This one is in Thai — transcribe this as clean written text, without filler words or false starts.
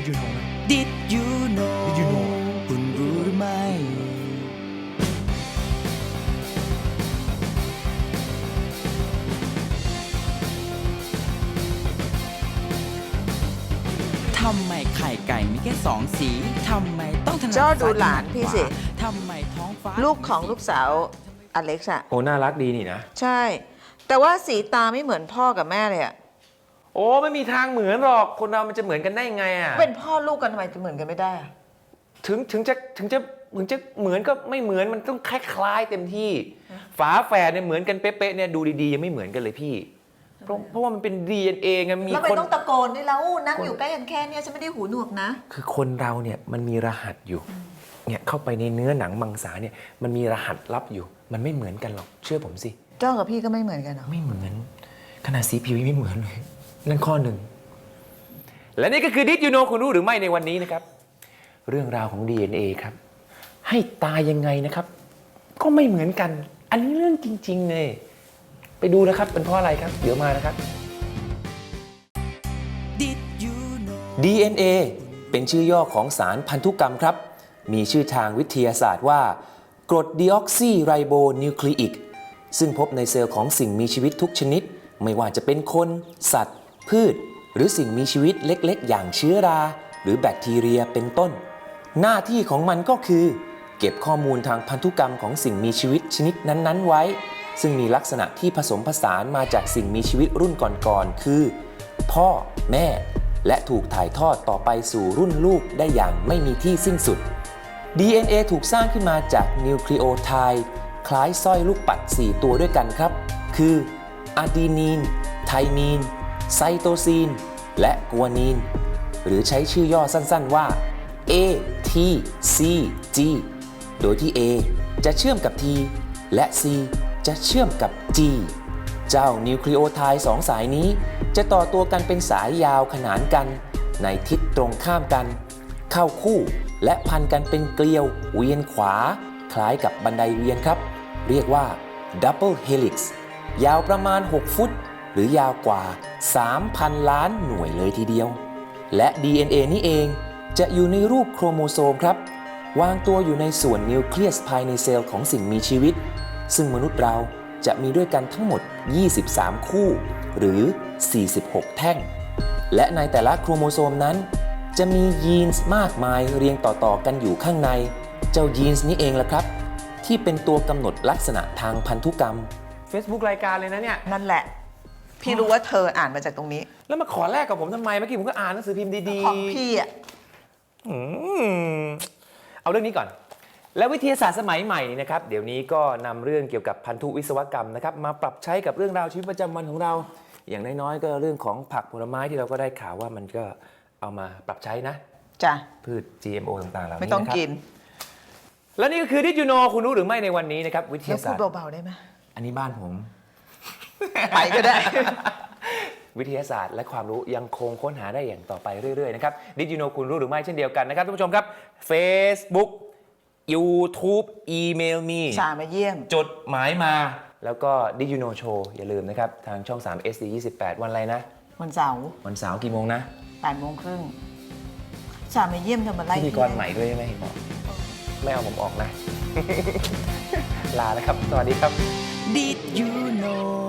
you know นะ Did you know Did you know คุณรู้หรือไม่ทำไมไข่ไก่มีแค่2 สีทำไมต้องถนัดเจ้าดูซ้ยหลานพี่สิทำไมท้องฟ้าลูกของลูกสาวอเล็กซ์อะโอ้น่ารักดีนี่นะใช่ แต่ว่าสีตาไม่เหมือนพ่อกับแม่เลยอะโอ้ไม่มีทางเหมือนหรอกคนเรามันจะเหมือนกันได้ไงอ่ะเป็นพ่อลูกกันทำไมจะเหมือนกันไม่ได้อะถึงจะเหมือนก็ไม่เหมือนมันต้องคล้ายๆเต็มที่ฝาแฝดเนี่ยเหมือนกันเป๊ะๆเนี่ยดูดีๆยังไม่เหมือนกันเลยพี่เพราะว่ามันเป็น DNA ไงมีแล้วไม่คนต้องตะโกนด้วยแล้วนั่งอยู่ใกล้กันแค่เนี้ยฉันไม่ได้หูหนวกนะคือคนเราเนี่ยมันมีรหัสอยู่เนี่ยเข้าไปในเนื้อหนังมังสาเนี่ยมันมีรหัสลับอยู่มันไม่เหมือนกันหรอกเชื่อผมสิเจ้ากับพี่ก็ไม่เหมือนกันเหรอไม่เหมือนขนาดสีผิวยังไม่เหมือนเลยนั่นข้อหนึ่งและนี่ก็คือดิสยูโนคุณรู้หรือไม่ในวันนี้นะครับเรื่องราวของ DNA ครับให้ตายยังไงนะครับก็ไม่เหมือนกันอันนี้เรื่องจริงๆเลยไปดูนะครับเป็นเพราะอะไรครับเดี๋ยวมานะครับ Did you know DNA เป็นชื่อย่อของสารพันธุกรรมครับมีชื่อทางวิทยาศาสตร์ว่ากรดดีออกซีไรโบนิวคลีอิกซึ่งพบในเซลล์ของสิ่งมีชีวิตทุกชนิดไม่ว่าจะเป็นคนสัตว์พืชหรือสิ่งมีชีวิตเล็กๆอย่างเชื้อราหรือแบคทีเรียเป็นต้นหน้าที่ของมันก็คือเก็บข้อมูลทางพันธุกรรมของสิ่งมีชีวิตชนิดนั้นๆไว้ซึ่งมีลักษณะที่ผสมผสานมาจากสิ่งมีชีวิตรุ่นก่อนๆคือพ่อแม่และถูกถ่ายทอดต่อไปสู่รุ่นลูกได้อย่างไม่มีที่สิ้นสุด DNA ถูกสร้างขึ้นมาจากนิวคลีโอไทด์คล้ายสร้อยลูกปัด4ตัวด้วยกันครับคืออะดีนีนไทมีนไซโตซีนและกัวนีนหรือใช้ชื่อย่อสั้นๆว่า A T C G โดยที่ A จะเชื่อมกับ T และ C จะเชื่อมกับ G เจ้านิวคลีโอไทด์2 สายนี้จะต่อตัวกันเป็นสายยาวขนานกันในทิศตรงข้ามกันเข้าคู่และพันกันเป็นเกลียวเวียนขวาคล้ายกับบันไดเวียนครับเรียกว่า Double Helix ยาวประมาณ6 ฟุตหรือยาวกว่า 3,000 ล้านหน่วยเลยทีเดียวและ DNA นี้เองจะอยู่ในรูปโครโมโซมครับวางตัวอยู่ในส่วนนิวเคลียสภายในเซลล์ของสิ่งมีชีวิตซึ่งมนุษย์เราจะมีด้วยกันทั้งหมด23 คู่หรือ46 แท่งและในแต่ละโครโมโซมนั้นจะมียีนส์มากมายเรียงต่อๆกันอยู่ข้างในเจ้ายีนส์นี้เองล่ะครับที่เป็นตัวกำหนดลักษณะทางพันธุกรรม Facebook รายการเลยนะเนี่ยนั่นแหละ พี่รู้ว่าเธออ่านมาจากตรงนี้แล้วมาขอแลกกับผมทำไมเมื่อกี้ผมก็อ่านหนังสือพิมพ์ดีๆของพี่อะเอาเรื่องนี้ก่อนและวิทยาศาสตร์สมัยใหม่นะครับเดี๋ยวนี้ก็นำเรื่องเกี่ยวกับพันธุวิศวกรรมนะครับมาปรับใช้กับเรื่องราวชีวิตประจำวันของเราอย่างน้อยๆก็เรื่องของผักผลไม้ที่เราก็ได้ข่าวว่ามันก็เอามาปรับใช้นะจ้ะพืช GMO ต่างๆเหล่านี้ไม่ต้องนะครับกินและนี่ก็คือที่ยูโนคุณรู้หรือไม่ในวันนี้นะครับวิทแล้วยาพูศาดสตร์เบาๆได้ไหมอันนี้บ้านผมไปก็ได้วิทยาศาสตร์และความรู้ยังคงค้นหาได้อย่างต่อไปเรื่อยๆนะครับดิจิโนคุณรู้หรือไม่เช่นเดียวกันนะครับท่านผู้ชมครับ Facebook YouTube อีเมลมีชามาเยี่ยมจดหมายมาแล้วก็ดิจิโนโชว์อย่าลืมนะครับทางช่อง 3 SD 28 วันอะไรนะวันเสาร์วันเสาร์กี่โมงนะ 8:30ชามาเยี่ยมเธอมาไล่พิธีกรใหม่ด้วยใช่ไหมเห็นบอกไม่เอาผมออกนะ ลาแล้วครับ สวัสดีครับ Did you know